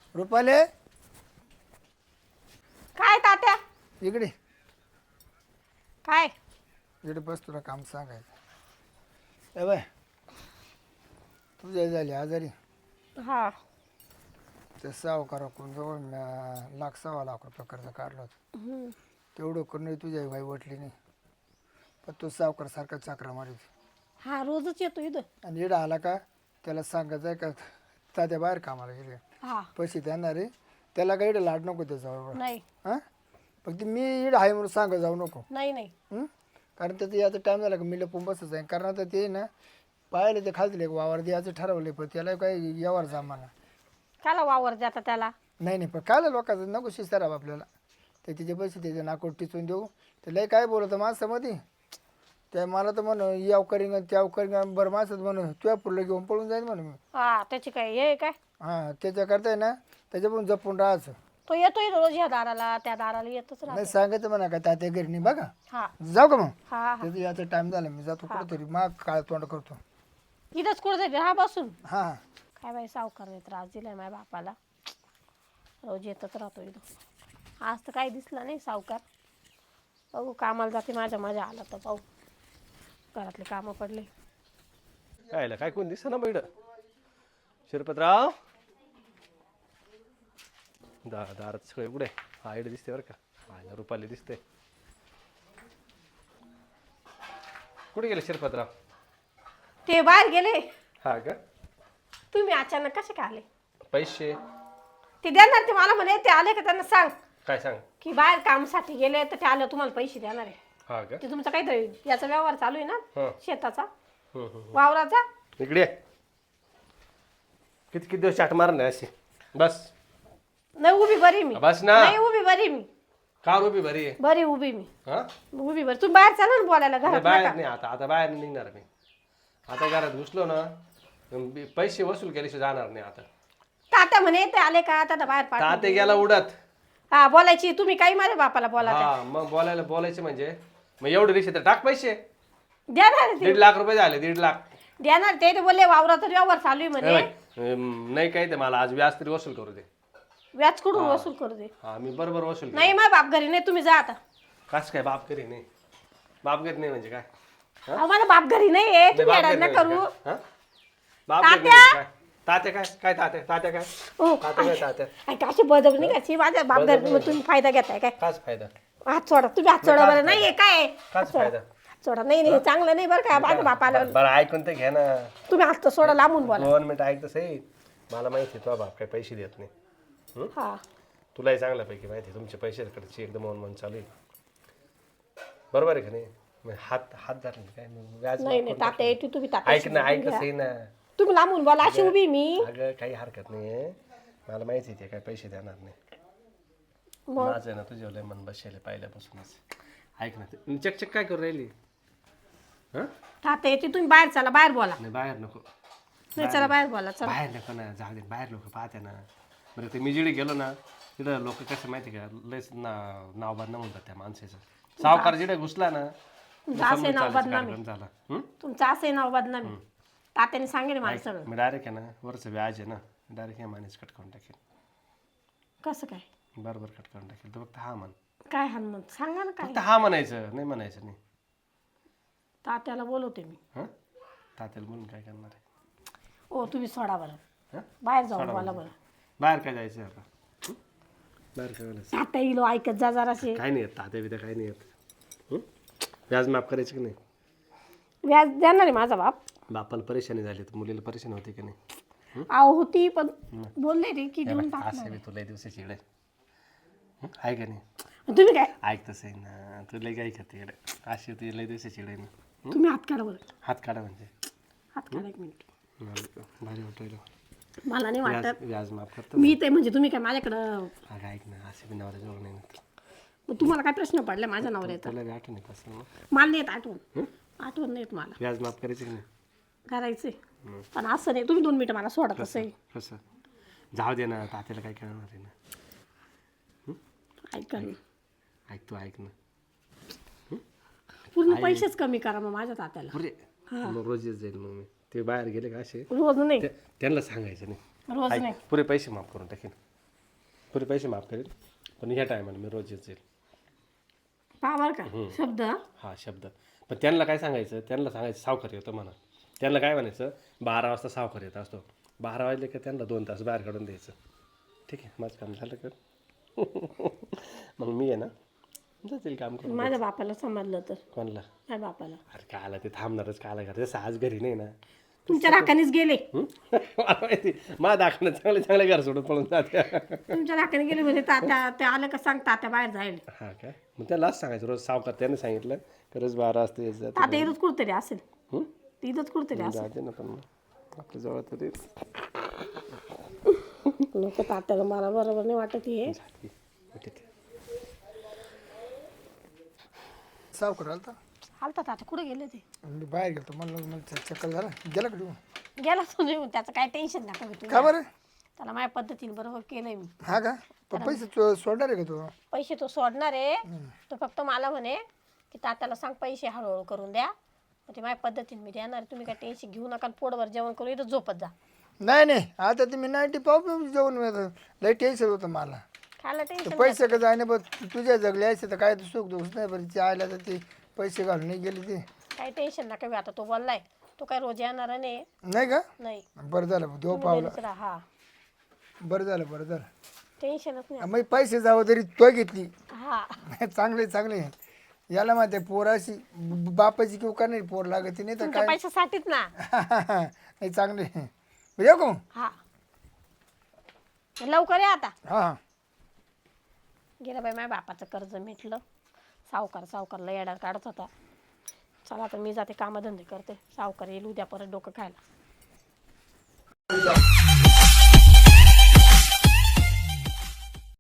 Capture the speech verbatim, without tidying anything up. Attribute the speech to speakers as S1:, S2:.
S1: रुपाले
S2: काय तात्या
S1: इकडे
S2: काय
S1: इकडे बस तुला काम सांगायचं ए बाय तुझ्या झाली आजारी
S2: हा
S1: ते सावकार कोण जवळ म्या- लाख सव्वा लाख रुपये कर्ज काढलं होतं तेवढं करून तुझ्या बाई वटली नाही पण तो सावकार सारखा चाकरा मारित
S2: हा रोजच येतो इथं
S1: आणि इडं आला का त्याला सांगायचं आहे का तात्या बाहेर कामाला गेले
S2: हा
S1: पैसे देणार आहे त्याला काही इडं लाड नको त्याच्याबरोबर
S2: नाही
S1: हां फक्त मी इडं आहे म्हणून सांगा जाऊ नको
S2: नाही नाही
S1: हं? कारण त्याचं याचा टाईम झाला का मी लपून बसच आहे कारण आता ते ना पाहिले ते खालतील एक वावर द्यायचं ठरवले पण त्याला काही यावर जमाना
S2: त्याला वावर जाता त्याला
S1: नाही नाही पण काय लोकांचं नको शिस्तारावं आपल्याला ते तिचे पैसे त्याचे नाकोट टिचून देऊ ते लय काय बोलतं माणसामध्ये ते मला तर म्हण याव करीन त्याव करीन बरं माणसात म्हणून तुझ्या पुढलं घेऊन पळून जाईल म्हणून मी
S2: हा त्याची काय हे काय
S1: हां त्याच्याकरता आहे ना त्याच्याकडून जपून राहायचं
S2: तो येतो इथं रोज ह्या दाराला त्या दाराला येतच राहतो
S1: नाही सांगायचं म्हणा का तात्या घरी नाही बघा
S2: हा
S1: जाऊ का मग
S2: हा हा
S1: त्याचं याचा टाईम झाला मी जातो कुठंतरी मग काळ तोंड करतो
S2: इथंच कुठं जाईल हा बसून
S1: हां हां
S2: काय बाई सावकार त्रास दिलाय माझ्या बापाला रोज येतच राहतो इथं आज तर काही दिसला नाही सावकार बघू कामाला जाते माझ्या माझ्या आला तर पाहू घरातले कामं पडले
S3: कायला काय कोण दिसत ना बैड शिरपतराव दा दारात सगळे उघडे हा इकडे दिसते बरं का आयला रुपाली दिसते कुठे गेले शिरपतराव
S2: ते बाहेर गेले
S3: हा का
S2: तुम्ही अचानक कसे काय आले
S3: पैसे
S2: ते देणार ते मला म्हणे ते आले का त्यांना सांग
S3: काय सांग
S2: की बाहेर कामासाठी गेले तर ते आले तुम्हाला पैसे देणार आहे
S3: हा का
S2: ते तुमचा काहीतरी याचा व्यवहार चालू आहे ना
S3: हं.
S2: शेताचा
S3: हम्म, हम्म.
S2: वावराचा
S3: इकडे ये. किती किती दिवस चाट मार नाही अशी बस
S2: नाही उभी बरी मी
S3: बस ना
S2: नाही उभी बरी मी
S3: का रुपी बरी आहे
S2: बरी उभी मी
S3: हा
S2: उभी बरी तुम्ही बाहेर चाला ना बोलायला
S3: नाही,
S2: घरात
S3: बाहेर
S2: नका.
S3: नाही आता आता बाहेर नाही निघणार मी आता घरात घुसलो ना मी पैसे वसूल केल्याशिवाय जाणार नाही आता
S2: तात्या म्हणे ते आले का आता बाहेर पाठ
S3: ताते गेला उडत
S2: हा बोलायची तुम्ही काही माझ्या बापाला बोला त्या.
S3: हा मग बोलायला बोलायचं म्हणजे मग एवढे रिक्षा तर टाक पैसे
S2: देणार ते
S3: दीड लाख रुपये झाले दीड लाख
S2: देणार ते ते बोलले वावराचा व्यवहार चालू आहे
S3: नाही
S2: म्हणे
S3: बाई, अं, नाही काही ते मला आज व्याज तरी वसूल करू दे
S2: व्याज कुठून वसूल करू दे
S3: हा मी बरोबर वसूल करेन.
S2: नाही माझ्या बाप घरी नाही तुम्ही जा आता
S3: कस काय बाप करी नाही बाप करी नाही म्हणजे काय
S2: अहो, माझा बाप घरी नाही आहे
S3: नाही,
S2: तुम्ही
S3: बाप
S2: येडा
S3: घरी नाही
S2: नका
S3: म्हणजे
S2: करू
S3: काय? हा? बाप घरी नाही म्हणजे काय तात्या काय काय तात्या तात्या काय
S2: हो
S3: तात्या काय तात्या
S2: काय कशी बदल करायची माझ्या बाप घरी मग तुम्ही फायदा घेताय काय
S3: काच फायदा
S2: हात सोडा तुम्ही हात सोडा बरं नाही काय
S3: काच फायदा
S2: हात सोडा नाही नाही चांगलं नाही बरं का माझ्या बापाला
S3: बरं ऐकून तर घ्या ना
S2: तुम्ही हात तर सोडा लांबून बोला
S3: दोन मिनिट ऐकतं सही मला माहिती आहे तुझा बाप काही पैसे देत नाही
S2: हा
S3: तुलाही चांगल्यापैकी माहिती आहे तुमचे पैशाकडची एकदम मन मन चालू आहे बरोबर आहे का नाही मग हात हात धरले काय मग व्याज
S2: नाही नाही तात्या येते तुम्ही तात्या
S3: ऐक ना ऐक सही ना
S2: तुम्ही लांबून बोला अशी उभी मी
S3: अगं काही हरकत नाही आहे मला माहिती आहे ते काय पैसे देणार नाही
S2: मग
S3: माझं ना तुझ्या लय मन बसेल पहिल्यापासूनच ऐक ना ते चकचक काय करू राहिली हां
S2: तात्या येते तुम्ही बाहेर चला बाहेर बोला
S3: नाही बाहेर नको
S2: नाही चला बाहेर बोला चला
S3: बाहेर नको ना जाऊ दे बाहेर लोक पाहते ना बरं ते मी जिडे गेलो ना तिथं लोक कसं माहिती का लयच ना नाव बदनाम होतात त्या माणसाचं सावकार जिडे घुसला ना
S2: तुमचं असे नाव बदनामी
S3: कार्यक्रम झाला हं?
S2: तुमचं असे नाव बदनामी तात्याने सांगेल मला सगळं
S3: मी डायरेक्ट आहे ना वरचं व्याज आहे ना डायरेक्ट हे मानेच कट करून टाकेल
S2: कसं काय
S3: बरोबर कट करून टाकेल तर फक्त हा म्हण
S2: काय हनुमंत सांगा ना काय
S3: फक्त हा म्हणायचं नाही म्हणायचं नाही
S2: तात्याला बोलवते मी
S3: हां तात्याला बोलून काय करणार आहे
S2: ओ तुम्ही सोडा बरं
S3: हं?
S2: बाहेर जाऊन बोला बरं
S3: बाहेर काय जायचं आता हं? बाहेर काय बोलायचं
S2: तात्या येलो ऐकत जा जराशे
S3: काय नाही येत तात्या बित्या काय नाही येत हं? व्याज माफ करायचं की नाही
S2: व्याज देणार आहे माझा बाप
S3: बापाला परेशानी झाली तर मुलीला परेशानी होती की नाही
S2: आहो होती पण बोलले रे की देऊन टाक
S3: असं बी तुला दिवसाची इकडे आहे का नाही
S2: तुम्ही काय
S3: ऐक तसं आहे ना तू लय काय खाते इकडे अशी तुझी लय दिवसाची इकडे ना
S2: तुम्ही हात काढा बरं
S3: हात काढा म्हणजे
S2: हात काढा एक मिनिट
S3: मला भारी वाटलं
S2: मला नाही
S3: व्याज
S2: वाटत
S3: व्याज माफ करतो
S2: मी ते म्हणजे तुम्ही काय माझ्याकडं
S3: अगं ऐक ना असे बी नवऱ्या जवळ नाही ना
S2: मग तुम्हाला काय प्रश्न पडला माझ्या नवऱ्याचा
S3: तुला बी आठवण येत असेल ना
S2: मला नाही येत आठवण आठवण नाही येत मला
S3: व्याज माफ करायचं की नाही
S2: करायचंय पण असं नाही तुम्ही दोन मिनिटं मला सोडा तसं आहे.
S3: कसं जाऊ दे ना तात्याला काय करणार आहे ना
S2: ऐका ना
S3: ऐक तू ऐक ना
S2: पूर्ण पैसेच कमी करा मग माझ्या तात्याला
S3: अरे मग रोज येत जाईल मग मी ते बाहेर गेले का असे
S2: रोज नाही
S3: त्या- त्यांना सांगायचं नाही
S2: रोज
S3: ऐक,
S2: नाही
S3: पुरे पैसे माफ करून टाकेन पुरे पैसे माफ करेल पण ह्या टायमाला मी रोज येत जाईल.
S2: पावर का शब्द हा?
S3: हा शब्द. पण त्यांना काय सांगायचं, त्यांना सांगायचं सावकार येतो म्हणा. त्यांना काय म्हणायचं बारा वाजता सावकार येत असतो, बारा वाजले का त्यांना दोन तास बाहेर काढून द्यायचं. ठीक आहे माझं काम झालं का मग मी आहे ना जातील काम करून.
S2: माझ्या बापाला समजलं तर
S3: कोणाला?
S2: माझ्या बापाला
S3: अरे काय आला ते थांबणारच काय आला घरी आज घरी नाही ना.
S2: तुमच्या राखानेच गेले.
S3: हं? मला माहिती माझ्या दाखवणं चांगले चांगले घर सोडून पळून जाते.
S2: तुमच्या राखाने गेले म्हणजे तात्या ते आलं का सांग तात्या बाहेर जाईल.
S3: हा काय मग त्यालाच सांगायचं रोज सावकार त्याने सांगितलं खरंच बारा वाजता येत जाते.
S2: तात्या इथंच कुठतरी असेल.
S3: हं?
S2: इथंच कुठतरी असेल.
S3: जाते ना पण मग आपल्या जवळ तरी
S2: नको तात्याला मला बरोबर नाही वाटत हे.
S3: झाली. ठीक आहे.
S1: सावकार आलता
S2: हालतात आता कुठे गेले ते.
S1: मी बाहेर गेलो म्हणलं मला चक्कर झाला गेला का तू?
S2: गेला तो निघून त्याचं काय टेन्शन नका घेऊ तुम्ही.
S1: का बरं?
S2: त्याला माझ्या पद्धतीने बरोबर केलंय मी.
S1: हा का पण पैसे चो- सोडणार आहे का तू?
S2: पैसे तो सोडणार आहे तो फक्त मला म्हणे की तात्याला सांग पैसे हळूहळू करून द्या मग ते माझ्या पद्धतीने मी देणार तुम्ही काय टेन्शन घेऊ नका पोटभर जेवण करून इथं झोपत जा.
S1: नाही नाही आता तुम्ही नाईन्टी पाव जेवण मिळतं लई टेन्शन होतं मला.
S2: खायला
S1: ते
S2: टेन्शन
S1: पैसे का जाणे बघ तुझ्या जगले असे तर काय तू सुख दोष नाही बरं ते आयला तर ते पैसे घालून नाही गेले ते
S2: काही टेन्शन नका घेऊ. आता तो बोललाय तो काय रोज येणार नाही.
S1: नाही का?
S2: नाही
S1: बरं झालं देव
S2: तुम्ही
S1: पावला.
S2: घरीच राहा.
S1: बरं झालं बरं झालं
S2: टेन्शनच नाही.
S1: मग पैसे जावं तरी तो घेतली
S2: हा
S1: चांगले चांगले याला माहिती आहे पोराशी ब- बापाची किंवा का नाही पोर लागत नाही तर
S2: तुमच्या
S1: काय
S2: पैशासाठीच ना.
S1: नाही चांगले येऊ का?
S2: हा लवकर या आता.
S1: हां हां
S2: गेलं बाई माझ्या बापाचं कर्ज मिटलं. सावकार सावकारला येडा काढत होता. चला आता मी जाते कामधंदे करते. सावकार येईल उद्या परत डोकं खायला.